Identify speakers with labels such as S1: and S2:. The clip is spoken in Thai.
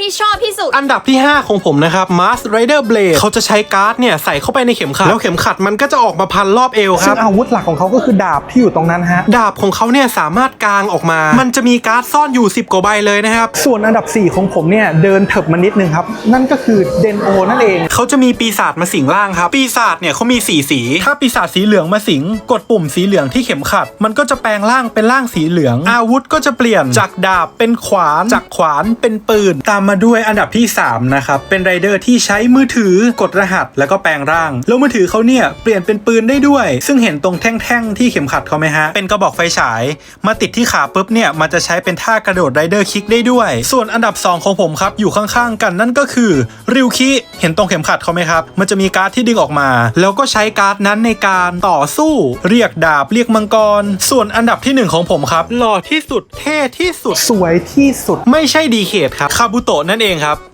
S1: ที่ชอบที่สุด
S2: อันดับที่ 5 ของผมนะครับ Mask Rider Blade เขาจะใช้การ์ดเนี่ยใส่เข้าไปในเข็มขัดแล้วเข็มขัดมันก็จะออกมาพันรอบเอวครับ
S3: ซึ่งอาวุธหลักของเขาก็คือดาบที่อยู่ตรงนั้นฮะ
S2: ดาบของเขาเนี่ยสามารถกางออกมามันจะมีการ์ดซ่อนอยู่10กว่าใบเลยนะครับ
S3: ส่วนอันดับ4ของผมเนี่ยเดินเถิบมานิดนึงครับนั่นก็คือเดนโอนั่นเอง
S2: เขาจะมีปีศาจมาสิงร่างครับปีศาจเนี่ยเขามี4สีถ้าปีศาจสีเหลืองมาสิงกดปุ่มสีเหลืองที่เข็มขัดมันก็จะแปลงร่างเป็นร่างสีเหลืองอาวุธก็จะเปลี่ยนจากดาบเป็นขวานจากขวานเป็นปืนตามมาด้วยอันดับที่3นะครับเป็นไรเดอร์ที่ใช้มือถือกดรหัสแล้วก็แปลงร่างแล้วมือถือเขาเนี่ยเปลี่ยนเป็นปืนได้ด้วยซึ่งเห็นตรงแท่งๆที่เข็มขัดเขาไหมฮะเป็นกระบอกไฟฉายมาติดที่ขาปุ๊บเนี่ยมันจะใช้เป็นท่ากระโดดไรเดอร์คิกได้ด้วยส่วนอันดับ2ของผมครับอยู่ข้างๆกันนั่นก็คือริวคิเห็นตรงเข็มขัดเขาไหมครับมันจะมีการ์ดที่ดึงออกมาแล้วก็ใช้การ์ดนั้นในการต่อสู้เรียกดาบเรียกมังกรส่วนอันดับที่1ของผมครับหล่อที่สุดเท่ที่สุด
S3: สวยที่สุด
S2: ไม่ใช่ดีเคทครับคาบุโตะนั่นเองครับ